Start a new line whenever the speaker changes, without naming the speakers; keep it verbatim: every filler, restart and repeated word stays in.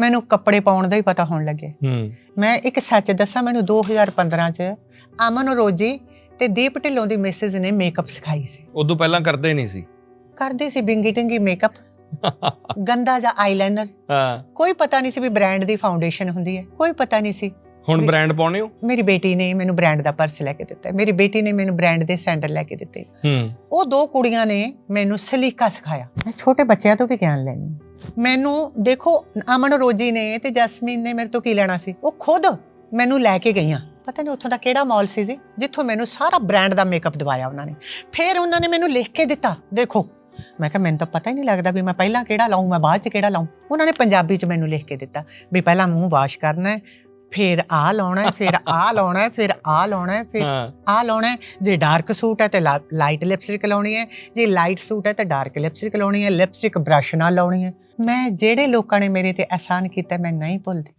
ਮੈਨੂੰ ਕੱਪੜੇ ਪਾਉਣ ਦਾ ਹੀ ਪਤਾ ਹੋਣ ਲੱਗੇ। ਮੈਂ ਇੱਕ ਸੱਚ ਦੱਸਾਂ, ਮੈਨੂੰ ਦੋ ਹਜ਼ਾਰ ਪੰਦਰਾਂ ਚ ਅਮਨ ਰੋਜੀ ਤੇ ਦੀਪ ਢਿੱਲੋਂ ਦੀ ਮਿਸਿਸ ਨੇ ਮੇਕਅਪ ਸਿਖਾਈ ਸੀ।
ਉਦੋਂ ਪਹਿਲਾਂ ਕਰਦੇ ਨਹੀਂ ਸੀ?
ਕਰਦੇ ਸੀ ਬਿੰਗੀ ਟਿੰਗੀ ਮੇਕਅਪ, ਗੰਦਾ ਜਿਹਾ ਆਈਲਾਈਨਰ।
ਹਾਂ,
ਕੋਈ ਪਤਾ ਨਹੀਂ ਸੀ ਵੀ ਬ੍ਰਾਂਡ ਦੀ ਫਾਊਂਡੇਸ਼ਨ ਹੁੰਦੀ ਹੈ, ਕੋਈ ਪਤਾ ਨਹੀਂ ਸੀ।
ਹੁਣ ਬ੍ਰਾਂਡ ਪਾਉਣੇ ਹੋ? ਮੇਰੀ
ਬੇਟੀ ਨੇ ਮੈਨੂੰ ਬ੍ਰਾਂਡ ਦਾ ਪਰਸ ਲੈ ਕੇ ਦਿੱਤਾ, ਮੇਰੀ ਬੇਟੀ ਨੇ ਮੈਨੂੰ ਬ੍ਰਾਂਡ ਦੇ ਸੈਂਡਲ ਲੈ ਕੇ ਦਿੱਤੇ। ਉਹ ਦੋ ਕੁੜੀਆਂ ਨੇ ਮੈਨੂੰ ਸਲੀਕਾ ਸਿਖਾਇਆ। ਮੈਂ ਛੋਟੇ ਬੱਚਿਆਂ ਤੋਂ ਵੀ ਗਿਆਨ ਲੈਣੀ। ਮੈਨੂੰ ਦੇਖੋ, ਅਮਨ ਰੋਜੀ ਨੇ ਤੇ ਜਸਮੀਨ ਨੇ ਮੇਰੇ ਤੋਂ ਕੀ ਲੈਣਾ ਸੀ, ਉਹ ਖੁਦ ਮੈਨੂੰ ਲੈ ਕੇ ਗਈਆਂ। ਪਤਾ ਨਹੀਂ ਉੱਥੋਂ ਦਾ ਕਿਹੜਾ ਮਾਲ ਸੀ ਜੀ, ਜਿੱਥੋਂ ਮੈਨੂੰ ਸਾਰਾ ਬ੍ਰਾਂਡ ਦਾ ਮੇਕਅਪ ਦਵਾਇਆ ਉਹਨਾਂ ਨੇ। ਫਿਰ ਉਹਨਾਂ ਨੇ ਮੈਨੂੰ ਲਿਖ ਕੇ ਦਿੱਤਾ, ਦੇਖੋ। ਮੈਂ ਕਿਹਾ ਮੈਨੂੰ ਤਾਂ ਪਤਾ ਹੀ ਨਹੀਂ ਲੱਗਦਾ ਵੀ ਮੈਂ ਪਹਿਲਾਂ ਕਿਹੜਾ ਲਾਊਂ, ਮੈਂ ਬਾਅਦ 'ਚ ਕਿਹੜਾ ਲਾਊਂ। ਉਹਨਾਂ ਨੇ ਪੰਜਾਬੀ 'ਚ ਮੈਨੂੰ ਲਿਖ ਕੇ ਦਿੱਤਾ ਵੀ ਪਹਿਲਾਂ ਮੂੰਹ ਵਾਸ਼ ਕਰਨਾ, ਫਿਰ ਆਹ ਲਾਉਣਾ, ਫਿਰ ਆਹ ਲਾਉਣਾ, ਫਿਰ ਆਹ ਲਾਉਣਾ, ਫਿਰ ਆਹ ਲਾਉਣਾ। ਜੇ ਡਾਰਕ ਸੂਟ ਹੈ ਤੇ ਲਾਈਟ ਲਿਪਸਟਿਕ ਲਾਉਣੀ ਹੈ, ਜੇ ਲਾਈਟ ਸੂਟ ਹੈ ਤੇ ਡਾਰਕ ਲਿਪਸਟਿਕ ਲਾਉਣੀ ਹੈ, ਲਿਪਸਟਿਕ ਬ੍ਰਸ਼ ਨਾਲ ਲਾਉਣੀ ਹੈ। ਮੈਂ ਜਿਹੜੇ ਲੋਕਾਂ ਨੇ ਮੇਰੇ ਤੇ ਅਹਿਸਾਨ ਕੀਤਾ ਮੈਂ ਨਹੀਂ ਭੁੱਲਦੀ।